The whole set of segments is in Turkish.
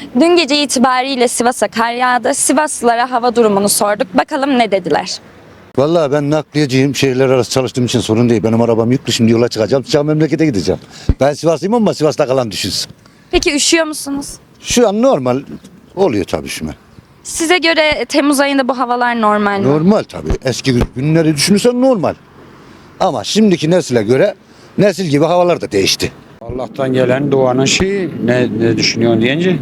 Dün gece itibariyle Sivas'a kar yağdı. Sivaslılara hava durumunu sorduk. Bakalım ne dediler? Vallahi ben nakliyeciyim. Şehirler arası çalıştığım için sorun değil. Benim arabam yüklü, şimdi yola çıkacağım. Sıcak memlekete gideceğim. Ben Sivaslıyım ama Sivas'ta kalan düşünsün. Peki üşüyor musunuz? Şu an normal oluyor tabii üşüme. Size göre Temmuz ayında bu havalar normal mi? Normal tabii. Eski günleri düşünürsen normal. Ama şimdiki nesile göre nesil gibi havalar da değişti. Allah'tan gelen duanın şeyi ne düşünüyorsun deyince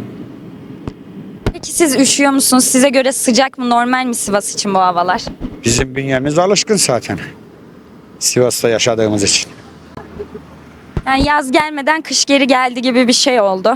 Peki siz üşüyor musunuz? Size göre sıcak mı, normal mi Sivas için bu havalar? bizim bünyemiz alışkın zaten. Sivas'ta yaşadığımız için. Yani yaz gelmeden kış geri geldi gibi bir şey oldu.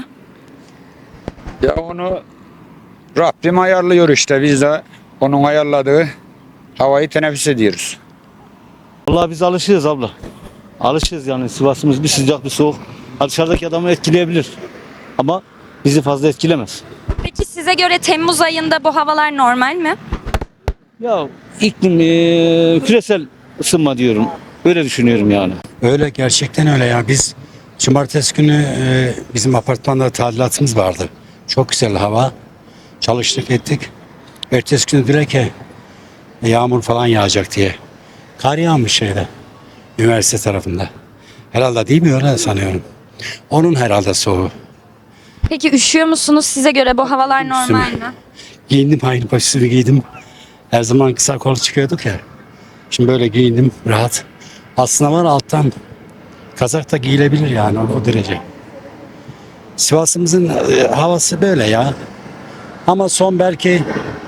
Ya onu Rabbim ayarlıyor işte, biz de onun ayarladığı havayı teneffüs ediyoruz. Vallahi biz alışığız abla. Alışığız yani, Sivas'ımız bir sıcak bir soğuk. Dışarıdaki adamı etkileyebilir. Ama bizi fazla etkilemez. Peki size göre Temmuz ayında bu havalar normal mi? Ya iklim küresel ısınma diyorum. Öyle düşünüyorum yani. Öyle, gerçekten öyle ya. Biz cumartesi günü bizim apartmanda tadilatımız vardı. Çok güzel hava. Çalıştık ettik. Ertesi günü direkt ki yağmur falan yağacak diye. Kar yağmış şeyde. Üniversite tarafında. Herhalde değil mi, öyle sanıyorum. Onun herhalde soğuğu. Peki üşüyor musunuz? Size göre bu havalar normal Üstüme. mi? Giyindim, aynı başlığı giydim. Her zaman kısa kol çıkıyorduk ya. Şimdi böyle giyindim rahat. Aslında var alttan kazak da giyilebilir yani, o derece. Sivas'ımızın havası böyle ya. Ama son belki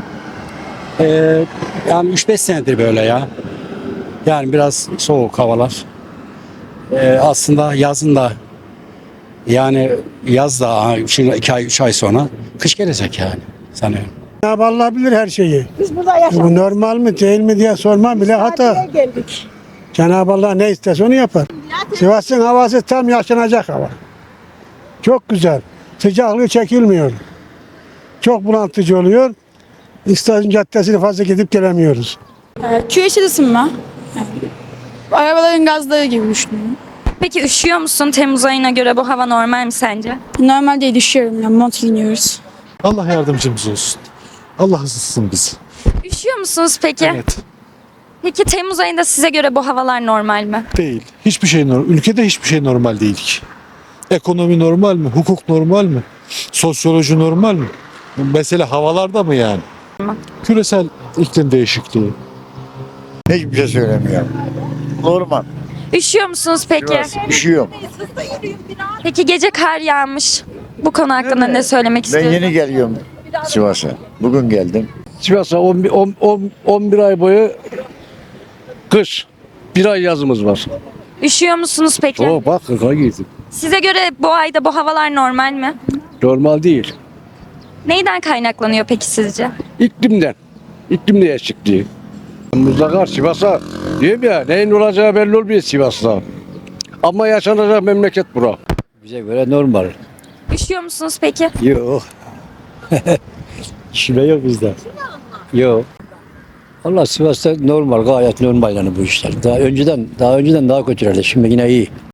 e, yani 3-5 senedir böyle ya. Yani biraz soğuk havalar. Aslında yazın da, yani yaz da şimdi 2 ay 3 ay sonra kış gelecek yani sanıyorum. Cenab-ı Allah bilir her şeyi. Biz burada yaşadık. Bu normal mi değil mi diye sormam bile hata. Tatile geldik. Cenab-ı Allah ne isterse onu yapar. Sivas'ın havası tam yaşanacak hava. Çok güzel. Sıcaklığı çekilmiyor. Çok bulantıcı oluyor. İstasyum Caddesi'ni fazla gidip gelemiyoruz. Küresel ısınma. Arabaların gazları gibi düşünüyorum. Peki üşüyor musun? Temmuz ayına göre bu hava normal mi sence? Normal değil, düşüyorum ya, mont giyiniyoruz. Allah yardımcımız olsun. Allah ısıtsın bizi. Üşüyor musunuz peki? Evet. Peki Temmuz ayında size göre bu havalar normal mi? Değil. Hiçbir şey normal. Ülkede hiçbir şey normal değil ki. Ekonomi normal mi? Hukuk normal mi? Sosyoloji normal mi? Mesele havalarda mı yani? Küresel iklim değişikliği. Hiçbir şey söylemiyorum. Normal. Üşüyor musunuz peki? Üşüyorum. Peki gece kar yağmış. Bu konu hakkında ne söylemek Ben istiyorsunuz? yeni geliyorum Sivas'a. Bugün geldim. Sivas'a 11 ay boyu kış. Bir ay yazımız var. Üşüyor musunuz peki? Bak kaka giydim. Size göre bu ayda bu havalar normal mi? Normal değil. Neyden kaynaklanıyor peki sizce? İklimden. İklim değişikliği. Mutlaka Sivas'a diyorum ya, neyin olacağı belli olmuyor Sivas'ta. Ama yaşanacak memleket bura. Bize göre normal. Üşüyor musunuz peki? Yok. Şüphe yok bizde. Yok. Allah Sivas'ta normal, gayet normal yani bu işler. Daha önceden daha kötülerdi. Şimdi yine iyi.